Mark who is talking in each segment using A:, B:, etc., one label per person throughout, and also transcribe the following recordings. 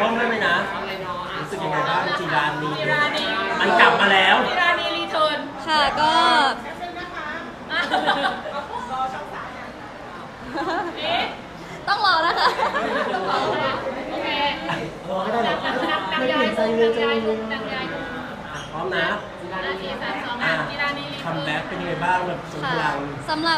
A: พร้อมได้ไหมนะรู้สึกยังไงบ้างจีรานีมันกลับมาแล้ว
B: จีรานีรีเทิร์น
C: ค่ะก็ต้องรอนะคะ
B: โอเค
A: รอก็ได้หรอก
B: นางยายนางยายนางยาย
A: พร้อมนะ
B: นาที32จีรานีรีเทิร์น
A: คัมแบ็กเป็นยังไงบ้างแบบทรงพลัง
C: สำหรับ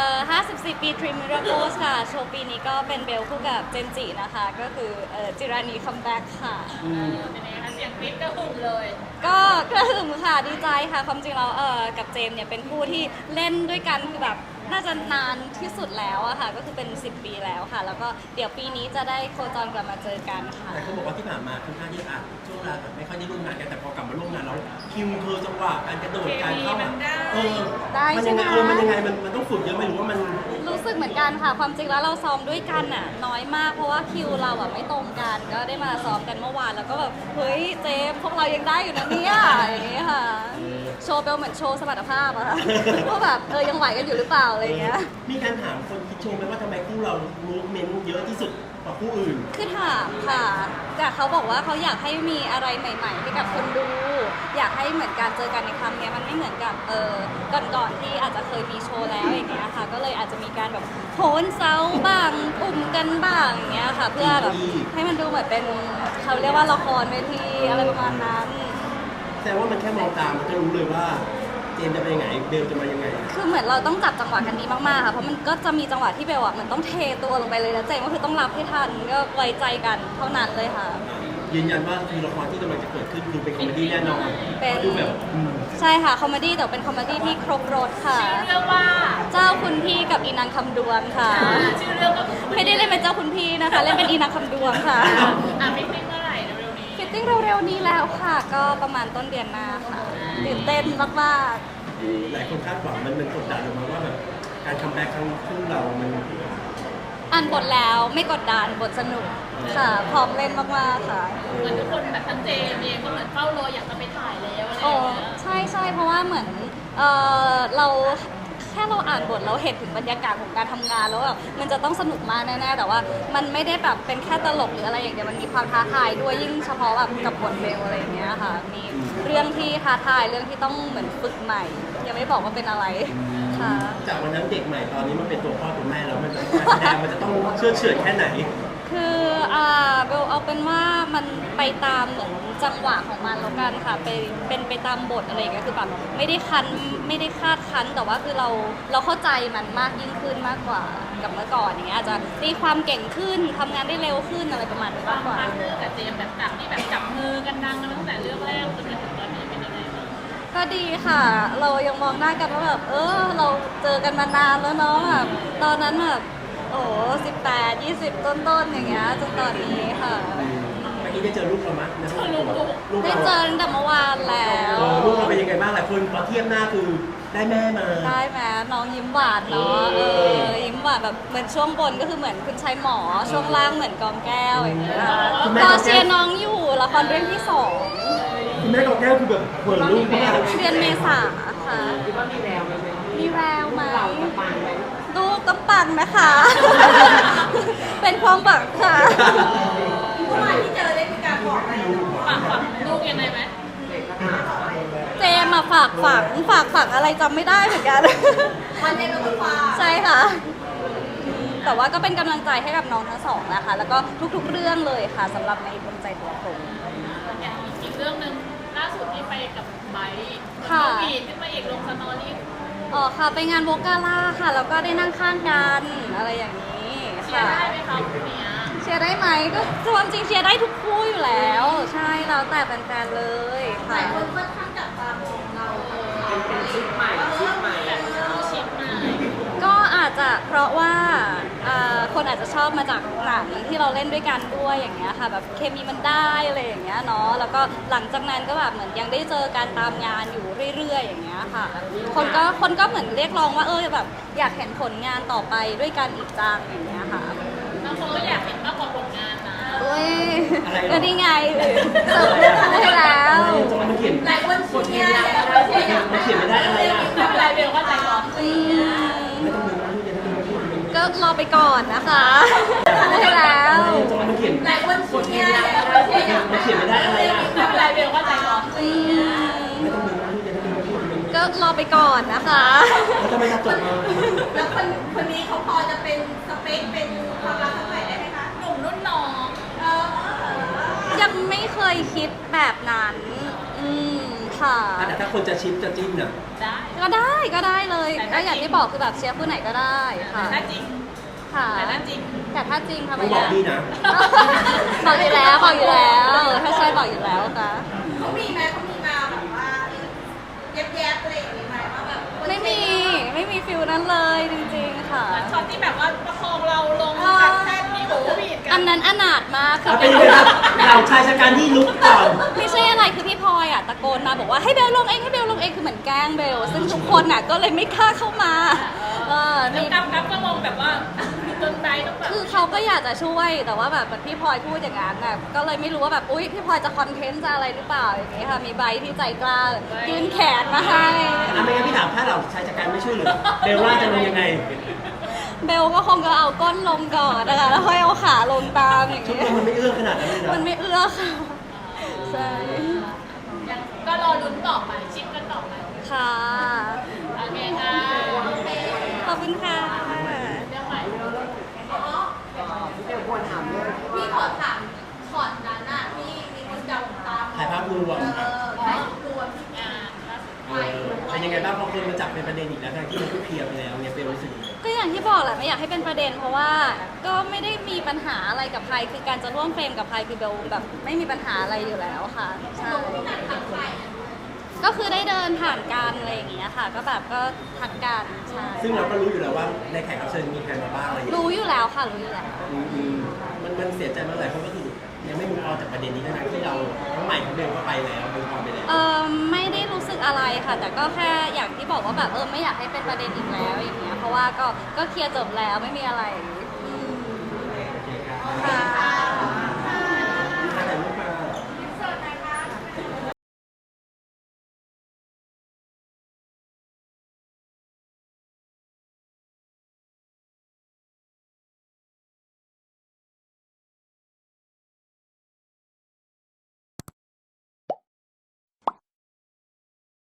C: 54 ปีDream Miracles ค่ะโชว์ปีนี้ก็เป็นเบลคู่กับเจนจินะคะก็คือจิรานีคัมแบ็กค่ะ
B: เป็นไงคะเสียงกรี๊ดกระหึ่มเลย
C: ก็กระหึ่มค่ะดีใจค่ะความจริงแล้วกับเจมเนี่ยเป็นคู่ที่เล่นด้วยกันคือแบบน่าจะนานที่สุดแล้วอะค่ะก็คือเป็น10 ปีแล้วค่ะแล้วก็เดี๋ยวปีนี้จะได้โคจรกลับมาเจอกันค่ะ
A: แต่เขาบอกว่าที่ผ่านมาค่อนข้างที่ช่วงเวลาแบบไม่ค่อยได้ร่วมงานกันแต่พอกลับมาร่วมงานแล้วคิวเธอจังหวะการกระโดดการเข้ามันยังไงมันต้องฝึกเยอะไหมหรือว่ามัน
C: รู้สึกเหมือนกันค่ะความจริงแล้วเราซ้อมด้วยกันน่ะน้อยมากเพราะว่าคิวเราอะไม่ตรงกันก็ได้มาซ้อมกันเมื่อวานแล้วก็แบบเฮ้ยเจมพวกเรายังได้อยู่นะเนี่ยอย่างนี้ค่ะโชว์เบลเหมือนโชว์สมรรถภาพอะค่ะว่าแบบยังไหวกันอยู่หรือเปล่าอะไรอย่างเงี้ย
A: มีการถามคนคิดชมไหมว่าทำไมคู่เรามูฟเมนต์เยอะที่สุดกว่าคู่อื่น
C: คือถามค่ะแต่เขาบอกว่าเขาอยากให้มีอะไรใหม่ๆให้กับคนดูอยากให้เหมือนการเจอกันในครั้งนี้มันไม่เหมือนกับก่อนๆที่อาจจะเคยมีโชว์แล้วอย่างเงี้ยค่ะก็เลยอาจจะมีการแบบโหนเซาบ้างปุ่มกันบ้างอย่างเงี้ยค่ะเพื่อแบบให้มันดูเหมือนเป็นเขาเรียกว่าละครเวทีอะไรประมาณนั้น
A: แต่ว่ามันแค่มองตามมันก็รู้เลยว่าเจมจะไปยังไงเบลจะมายังไง
C: คือเหมือนเราต้องจับจังหวะกันดีมากๆค่ะเพราะมันก็จะมีจังหวะที่เบลเหมือนต้องเทตัวลงไปเลยแล้วเจมก็คือต้องรับให้ทันก็ไว้ใจกันเท่านั้นเลยค่ะ
A: ยืนยันว่าคือละครที่กำลังจะเกิดขึ้นคือเป็นคอมเมดี้แน่นอน
C: เป็น
A: ดูแบบ
C: ใช่ค่ะคอมเมดี้แต่เป็นคอมเมดี้ที่ครบรสค่ะ
B: ชื่อเรื่องว่า
C: เจ้าคุณพี่กับอีนางคำดวงค่ะ
B: ชื่อเรื่องก็
C: ไม่ได้เล่นเป็นเจ้าคุณพี่นะคะเล่นเป็นอีนางคำดวงค่ะ
B: ฟิตติ้งเมื่อไหร่เร็วๆนี้
C: ฟิตติ้งเร็วๆนี้แล้วค่ะก็ประมาณต้นเดือนหน้าค่ะตื่นเต้นมาก
A: ๆหลายคนคาดหวังมันกดดันออกมาว่าแบบการคัมแบ็กครั้งคู่เรามัน
C: อ่านบทแล้วไม่กดดันบทสนุกค่ะพร้อมเล่นมากๆค่ะ
B: เหมือนทุกคนแบบทั้งเจมเองก็เหมือนเฝ้ารออยากจะไปถ่ายแล้วอะไรอย่างเงี้ย
C: ใช่เพราะว่าเหมือนเราแค่เราอ่านบทเราเห็นถึงบรรยากาศของการทำงานแล้วแบบมันจะต้องสนุกมากแน่ๆแต่ว่ามันไม่ได้แบบเป็นแค่ตลกหรืออะไรอย่างเดียวมันมีความท้าทายด้วยยิ่งเฉพาะแบบกับบทเบลอะไรอย่างเงี้ยค่ะมีเรื่องที่ท้าทายเรื่องที่ต้องเหมือนฝึกใหม่ยังไม่บอกว่าเป็นอะไรค่ะ
A: จากวันนั้นเด็กใหม่ตอนนี้มันเป็นตัวพ่อตัวแม่แล้วมันการแสดงมันจะต้องเชื่อเฉื่อยแค่ไหน
C: คือเบลเอาเป็นว่ามันไปตามเหมือนจังหวะของมันแล้วกันค่ะเป็นไปตามบทอะไรอย่างเงี้ยคือแบบไม่ได้คาดคั้นแต่ว่าคือเราเข้าใจมันมากยิ่งขึ้นมากกว่ากับเมื่อก่อนอย่างเงี้ยอาจจะตีความเก่งขึ้นทำงานได้เร็วขึ้นอะไรประมาณนี้มากกว่า
B: พาร์ทเนอร์กับเจมแบบจากที่แบบจับมือกันดังกันตั้งแต่เรื่องแรกจนมาถึงตอนนี้เป็นยังไงบ้าง
C: ก็ดีค่ะเรายังมองหน้ากันว่าแบบเราเจอกันมานานแล้วเนาะแบบตอนนั้นแบบ18 20ต้นๆอย่างเงี้ยจนตอนนี้ค่ะ
A: เมื่อกี้ได้เจอลูกเราไหม
C: ได้เจอตั้งแต่เมื่อวานแล้ว
A: ลูกเราเป็นยังไงบ้างหลายคนพอเทียบหน้าคือได้แม่มา
C: ได้ไหมน้องยิ้มหวานเนาะยิ้มหวานแบบเหมือนช่วงบนก็คือเหมือนคุณชายหมอช่วงล่างเหมือนกองแก้วอย่างเงี้ยก็เชียร์น้องอยู่ละครเรื่องที่2
A: คุณแม่กองแก้วคือแบบเหมือนลูกมาก
C: เดือนเมษาค่ะ
D: คิดว่ามีแววไหม
C: มีแววไหม
D: เราจะปังไหม
C: ลูกต้องปังนะคะ เป็นความหวังค่ะ
B: เมื่อวานที่เจอได้มีการบอกอะไรฝากลูกยังไงไหม
C: เจมมาฝากฝังอะไรจำไม่ได้เหมือนกัน
B: วันเจมก็ฝาก
C: ใช่ค่ะแต่ว่าก็เป็นกำลังใจให้กับน้องทั้งสองนะคะแล้วก็ทุกๆเรื่องเลยค่ะสำหรับในดวงใจตัวผม
B: อีกเรื่องนึงล่าสุดที่ไปกับไบค์วีดขึ้นมาอีกลงสตอรี่
C: ค่ะไปงานโวกาล่าค่ะแล้วก็ได้นั่งข้างกันอะไรอย่างนี้
B: เชียร์ได้ไหมคะคุณเนี้ย
C: เชียร์ได้ไหมก็ความจริงเชียร์ได้ทุกคู่อยู่แล้วใช่แล้วแต่แฟนๆเลย
B: ค่ะหลายคนค่อนข้างจับตามองเรา
D: เป็นชิปใหม่
B: แบบชิปใหม่
C: ก็อาจจะเพราะว่าคนอาจจะชอบมาจากหนังที่เราเล่นด้วยกันด้วยอย่างเงี้ยค่ะแบบเคมีมันได้อะไรอย่างเงี้ยเนาะแล้วก็หลังจากนั้นก็แบบเหมือนยังได้เจอการตามงานอยู่เรื่อยๆอย่างเงี้ยค่ะคนก็เหมือนเรียกร้องว่าแบบอยากเห็นผลงานต่อไปด้วยกันอีกจังอย่างเงี้ยค่ะ
B: บางคนก็อยากเห็นมากกว่าผลงานนะ
C: ก็นี่ไงเสิร์ฟเรื่องให้แล้ว
B: หลายคนเชียร์
A: มันเขียนไม่ได้อะไรอ่ะ
B: ไม่เป็นไรเบลก็ใจร้อน
A: ไม่ต้องมี
C: ก็รอไปก่อนนะคะได้แล้ว
A: มันเขียน
B: หลายคนเชียร์
A: มันเขียนไม่ได้อะไรอ่ะ
B: ไม่เป็นไรเบลว่าใจร้อน
C: อืม
A: ไม่ต้องมีนะที่จะต้องมีพูดมัน
C: ก็รอไปก่อนนะคะ
A: แล้วทำไมจะจบมา
E: แล้วคนนี้เขาพอจะเป็นสเปคเป็นความรักครั้งใหม่ได้ไหมคะ
B: หนุ่มรุ่นน้อง
C: ยังไม่เคยคิดแบบนั้น อืมค่ะ
A: แต่ถ้าคนจะชิปจะจิ้มเนี่ย
B: ได้
C: ก็ได้เลย ก็อย่างที่บอกคือแบบเชียร์ผู้ไหนก็ได้ค่ะ
B: แต่ถ้าจริง
C: ค่ะ
B: แต่ถ้าจริง
C: แต่ถ้าจริงทำไม
A: ต้องบอก
C: อะ
A: พี่นะ
C: บอกอยู่แล้วถ้าใช่บอกอยู่แล้วค่ะ
E: เขามีไหมเขามีมาแบบว่าแยบๆอะไรอย่างนี้ไหมว่าแบบ
C: ไม่มีฟิลนั้นเลยจริงๆค่ะ
B: ช็อตที่แบบว่าประคองเราลงแท่นมีโอ้บีดกั
C: อันนั้นอนาถมากคือ
A: เป็นยังไงครับเราชายชะกันที่ลุกก่อน
C: ไม่ใช่อะไรคือพี่พลอยอ่ะตะโกนมาบอกว่าให้เบลลงเองคือเหมือนแกล้งเบลซึ่งทุกคนอ่ะก็เลยไม่กล้าเข้ามา
B: แล้ว
C: นี่
B: กั๊บก็มองแบบว่าจนใจต้องแบบ
C: คือเขาก็อยากจะช่วยแต่ว่าแบบพี่พลอยพูดอย่างนั้นน่ะก็เลยไม่รู้ว่าแบบอุ๊ยพี่พลอยจะคอนเทนต์จะอะไรหรือเปล่าอย่างนี้ค่ะมีใบที่ใจกล้ายื่นแขนมาให้
A: ไม่งั้นพี่ถามถ้าเราชายชะกันไม่ช่วยเหลือเบลล่าจะลงยังไง
C: เบลก็คงจะเอาก้นลงก่อนนะคะแล้วค่อยเอาขาลงตามอย่าง
A: ชุด
C: นี้
A: มันไม่เอื้อขนาดนั้นเลยนะ
C: มันไม่เอื้อค่ะใช่
B: ยังก็รอลุ้นต่อไปชิปกันต่อไป
C: ค่ะ
B: โอเคค่ะ
C: ขอบคุณค่ะ
B: เรื่องใหม่
D: พี่เบลควรถามเรื่องที่
E: พี่
D: ว่า
E: ขอถามช็อตนั้นน่ะที่มีคนจับตาม
A: ถ่ายภาพรวม
E: ถ่ายรวมที่
B: งานล่าสุด
A: เป็นยังไงบ้างพอคนมาจับเป็นประเด็นอีกแล้วทั้งที่มันก็เคลียร์ไปแล้วเนี่ยเบลรู้สึกยังไง
C: ก็อย่างที่บอกแหละไม่อยากให้เป็นประเด็นเพราะว่าก็ไม่ได้มีปัญหาอะไรกับใครคือการจะร่วมเฟรมกับใครคือเบลแบบไม่มีปัญหาอะไรอยู่แล้วค่ะใช่
E: ทางฝ่าย
C: ก็คือได้เดินผ่านกันอะไรอย่างเงี้ยค่ะ ก็แบบก็ทักกันใช่
A: ซึ่งเราก็รู้อยู่แล้วว่าในแขกรับเชิญมีใครมาบ้างอะไรอย่างเงี้ย
C: รู้อยู่แล้วค่ะรู้อยู่แล้ว
A: มันเสียใจมากหลายคนก็คือยังไม่มุกออนจากประเด็นนี้ทั้งที่เราทั้งใหม่ทั้งเบลก็ไปแล้วมุกออนไปแล้ว
C: ไม่ได้รู้สึกอะไรค่ะ แต่ก็แค่อย่างที่บอกว่าแบบไม่อยากให้เป็นประเด็นอีกแล้วอย่างเงี้ยเพราะว่าก็เคลียร์จบแล้วไม่มีอะไรอืม
A: โอเคครับ
C: ค่ะ